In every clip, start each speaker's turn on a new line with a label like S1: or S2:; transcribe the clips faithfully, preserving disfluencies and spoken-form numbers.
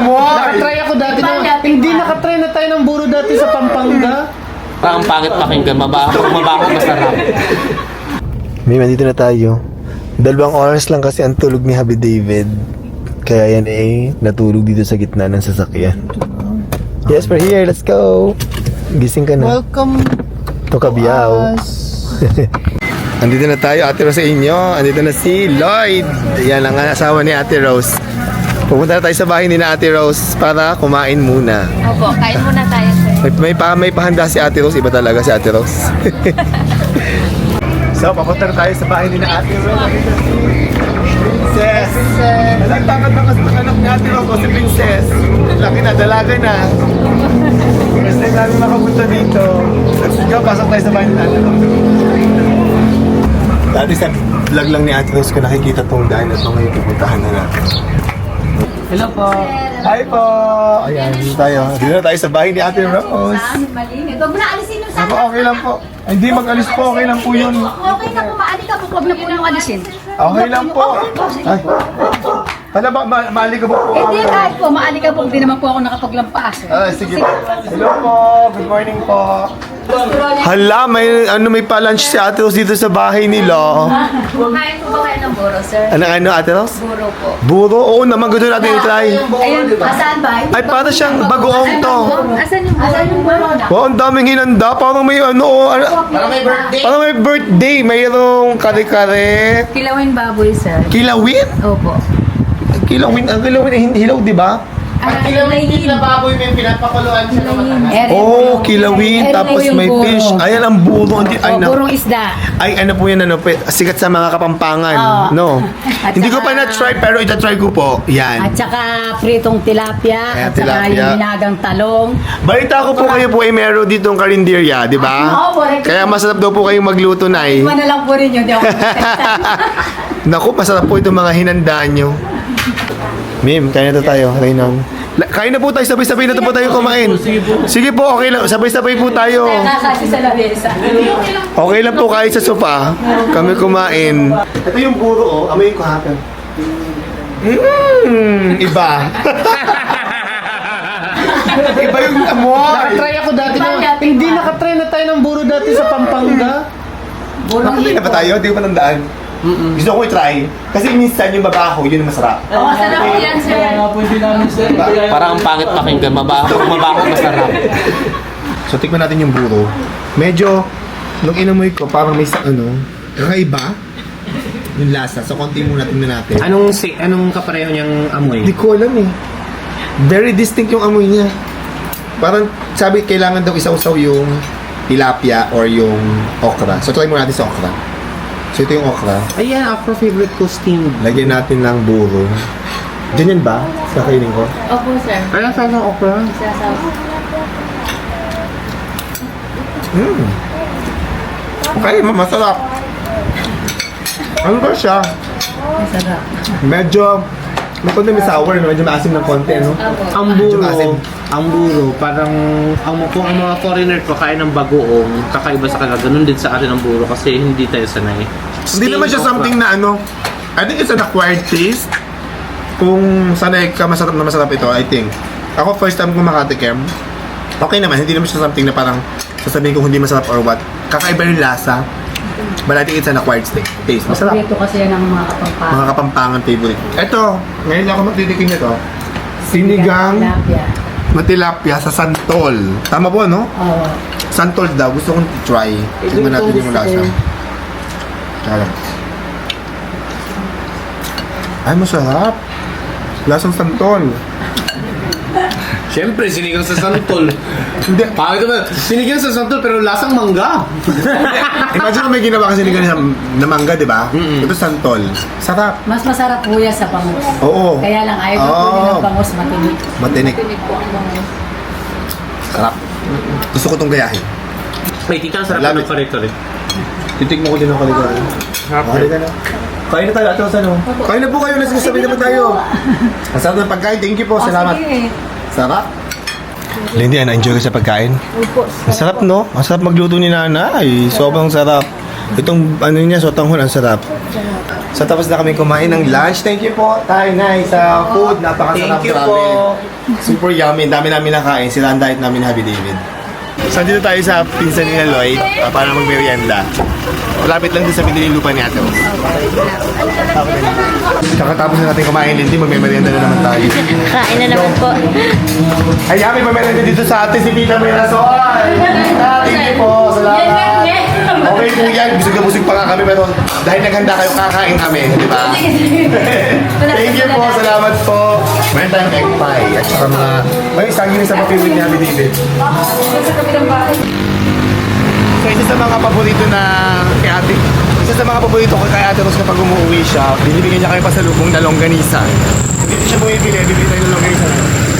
S1: amoy!
S2: Nakatry ako dati na, hindi nakatry na tayo ng buro dati sa Pampanga.
S3: Parang pangit pakinggan, mabaho, mabaho, masarap.
S1: May nandito na tayo. Dalawang oras lang kasi ang tulog ni Happy David. Kaya yan eh, natulog dito sa gitna ng sasakyan. Yes, we're here. Let's go. Gising ka na.
S2: Welcome
S1: To Cabiao. Andito na tayo, Ate Rose sa inyo. Andito na si Lloyd. Yan ang asawa ni Ate Rose. Pupunta na tayo sa bahay ni na Ate Rose para kumain muna.
S4: Opo, kain muna tayo, sir.
S1: May, may, pa, may pahanda si Ate Rose. Iba talaga si Ate Rose. So, papunta na tayo sa bahay ni na Ate Rose. Princess! Alam, takot na kasi ng anak ni Ate Rose o si Princess. Laki na, dalaga na. First time namin makapunta dito. Let's go, pasok tayo sa bahay ni Ate Rose. Dati sa vlog lang ni Ate Rose ko nakikita tong daan at mga ipupuntahan na natin.
S2: Hello po.
S1: Hi po! Ayan, dito tayo. Dito na tayo sa bahay ni Ate Rose.
S4: Malimit. Huwag mo na alisin yung
S1: Ako, okay lang po. Ay, Hindi mag-alis po, okay lang po yun.
S4: Okay na po, maali ka po. Huwag na po yung alisin.
S1: Okay lang po. Ay. Hala ba, ma maali ka po po?
S4: Hindi, kahit po, maali ka po. Hindi naman po ako nakapaglampaas. Eh.
S1: Ah, sige. Hello po, good morning po. Hala, may ano may pa-lunch si Ate Rose dito sa bahay nila.
S4: Kain po ba kayo ng buro, sir?
S1: Ano ano Ate Rose?
S4: Buro po.
S1: Buro? Oo naman, gusto natin i-try.
S4: Ayun, asaan ba?
S1: Ay, para siyang bagoong to.
S4: Asan yung buro? Asan yung buro na?
S1: Wow, ang daming hinanda. Parang may ano, oh, ano
S3: Parang may birthday.
S1: parang may birthday. Mayroong kare-kare.
S4: Kilawin baboy, sir.
S1: Kilawin?
S4: Opo.
S1: Kilawin, ang kilawin ay hindi hilaw, di ba?
S4: Ah,
S3: Kilawin na baboy, may pinapakuluan siya naman.
S1: Oh, kilawin, tapos may fish. Ayan ang buro. Hindi, ay, na,
S4: burong isda.
S1: ay, ano po yan, ano, pe- sikat sa mga Kapampangan.
S4: Oo.
S1: No?
S4: At
S1: Hindi ko
S4: saka-
S1: pa na-try, pero ita-try ko po. Yan.
S4: At saka pritong tilapia.
S1: Ayan,
S4: At saka
S1: tilapia.
S4: yung binagang talong.
S1: Balita ko po kayo po ay meron ditong karinderya, di ba?
S4: Oo, correct.
S1: Kaya masarap daw po kayong magluto na eh.
S4: Iwan na lang po rin yun. Di ako
S1: Naku, masarap po itong mga hinandaan nyo. Mim, kain na to tayo, Reynon. La- Kain na po tayo, sabay-sabay na to po tayo kumain. Sige po, okay lang, sabay-sabay po tayo.
S4: Nakakasi sa labesa.
S1: Okay lang po kahit sa sofa, kami kumain. Ito yung buro, oh. Amoy ko hapon. Mmm, iba. Iba yung amoy.
S2: Nakatry ako dati na, hindi nakatry na tayo ng buro dati sa Pampanga.
S1: Nakatay na ba tayo? Hindi ko pa nandaan. Gusto ko i-try. Kasi minsan yung mabaho, yun ang masarap.
S4: Oo, sarap po yan, sir.
S3: Parang ang pangit pakinggan, mabaho, mabaho, masarap.
S1: So, tikman natin yung buro. Medyo, nung inamoy ko, parang may sa ano, kakaiba yung lasa. So, konti muna tingnan natin.
S3: Anong si anong kapareho niyang amoy?
S1: Hindi ko alam eh. Very distinct yung amoy niya. Parang, sabi, kailangan daw isawsaw yung tilapia or yung okra. So, try muna natin sa okra. So, ito yung okra.
S3: Ayan, ako favorite ko steamed.
S1: Lagyan natin ng buro. Ganyan ba? Kakainin ko?
S4: Opo, sir.
S3: Ayan, sa ng okra.
S4: Sasaw.
S1: Mm. Okay, ma- masarap. Ano ba siya?
S4: Masarap.
S1: Medyo, may konti may sour, no? Medyo maasim ng konti, no?
S3: Ang
S1: Medyo maasim.
S3: buro, ang buro, parang ang, kung ang mga foreigner ko kain ng bagoong, kakaiba sa kanila. Ganun din sa atin ang buro kasi hindi tayo sanay.
S1: Hindi naman siya something na ano, I think it's an acquired taste. Kung sanay ka masarap na masarap ito, I think. Ako first time ko makatikim, okay naman, hindi naman siya something na parang sasabihin ko hindi masarap or what. Kakaiba yung lasa. But I think it's an acquired taste. taste. Masarap.
S4: Paborito kasi yan ng mga kapampangan.
S1: Mga kapampangan favorite. Ito, ngayon lang ako magtitikim nito. Sinigang
S4: Tilapia.
S1: na tilapia sa santol. Tama po, no?
S4: Oo.
S1: Santol daw. Gusto kong try. Tingnan natin yung lasa. Tara. Ay, masarap. Lasang santol.
S3: Siyempre, sinigang sa santol.
S1: Hindi.
S3: Pangit naman, sinigang sa santol pero lasang mangga.
S1: Imagine kung may ginawa kasi sinigang na, na mangga, di ba?
S3: Mm-mm.
S1: Ito santol. Sarap.
S4: Mas masarap po yan sa bangus.
S1: Oo.
S4: Kaya lang, ayaw ko po
S1: Oo.
S4: ng bangus matinig.
S1: Matinik.
S4: Matinig po ang bangus.
S1: Sarap. Gusto ko itong gayahin.
S3: May tita, sarap
S1: Love
S3: ng
S1: it.
S3: kare-kare.
S1: Titikmo ko din ang kaligaran. Okay ka na. Kain na tayo, ate Rosa, no? Kain na po kayo, let's go, sabi naman tayo. Ang sarap ng pagkain, thank you po, salamat.
S4: Sige.
S1: Sarap. Lindy, na-enjoy ka sa pagkain?
S4: Opo.
S1: Ang sarap, no? Ang sarap magluto ni nanay. Sobrang sarap. Itong ano niya, sotanghon, ang sarap. So tapos na kami kumain ng lunch. Thank you po, Tay, Nay, sa food. Napakasarap.
S3: Thank you
S1: grabe.
S3: po.
S1: Super yummy. Ang dami namin nakain. Sila ang diet namin ni Happy David. So dito tayo sa pinsan ni Lloyd uh, para magmerienda. Malapit lang din sa binili lupa ni Ate Rose. Kakatapos na natin kumain, Lindy, magmerienda na naman tayo.
S5: Kain na naman po.
S1: Ay, Yami, pamerienda dito sa atin si Tita Mirasol. Tita, thank you po. Salamat. Okay po yan. Busog na busog pa nga kami, pero dahil naghanda kayo, kakain kami, di ba? Thank you po. Salamat po. Meron tayong egg pie. At saka mga, may saging sa papiwid ni Happy David. So, isa sa mga paborito na kay ate, isa sa mga paborito ko kay Ate Rose kapag umuwi siya, binibigyan niya kayo pasalubong na longganisa. Dito siya bumibili, bibili tayo ng longganisa.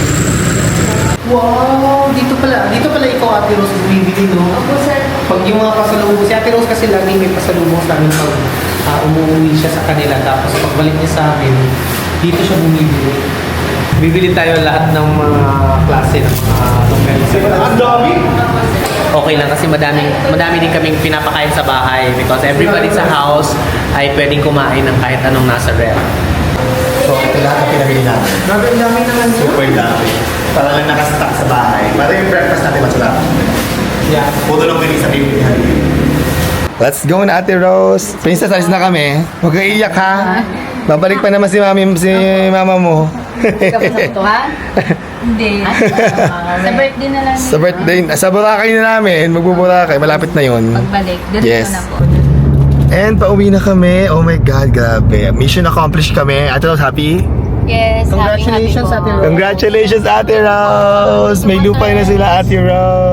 S2: Wow! Dito pala, dito pala ikaw, Ate Rose, bumibili, no?
S4: Opo, sir.
S2: Pag yung mga pasalubong, si Ate Rose kasi lagi may pasalubong sa amin pag ah, umuwi siya sa kanila. Tapos pagbalik niya sa amin, dito siya bumibili.
S3: Bibili tayo lahat ng mga klase ng mga longganisa.
S1: Ang dami!
S3: Okay lang kasi madaming, madami din kaming pinapakain sa bahay because everybody sa house ay pwedeng kumain ng kahit anong nasa ref.
S1: So, ito lahat ang pinabili natin.
S2: Grabe, ang dami naman yun.
S1: Super dami. Para lang nakastock sa bahay. Para yung breakfast natin masarap.
S2: Yeah.
S1: Puto lang din sa bibili. Let's go na, Ate Rose. Princess, alis na kami. Huwag kang iiyak, ha? Babalik pa naman si mami, si mama mo.
S4: Kapag sa ito, ha? Hindi. Sa birthday na lang.
S1: Sa birthday, sa Boracay na namin. Magbuburakay. Malapit na yun.
S4: Pagbalik. Doon
S1: Yes.
S4: na po.
S1: And pauwi na kami. Oh my God, grabe. Mission accomplished kami. Ate Rose, happy?
S4: Yes.
S2: Congratulations, Ate Rose.
S1: Congratulations, Ate Rose! May lupa na sila, Ate Rose!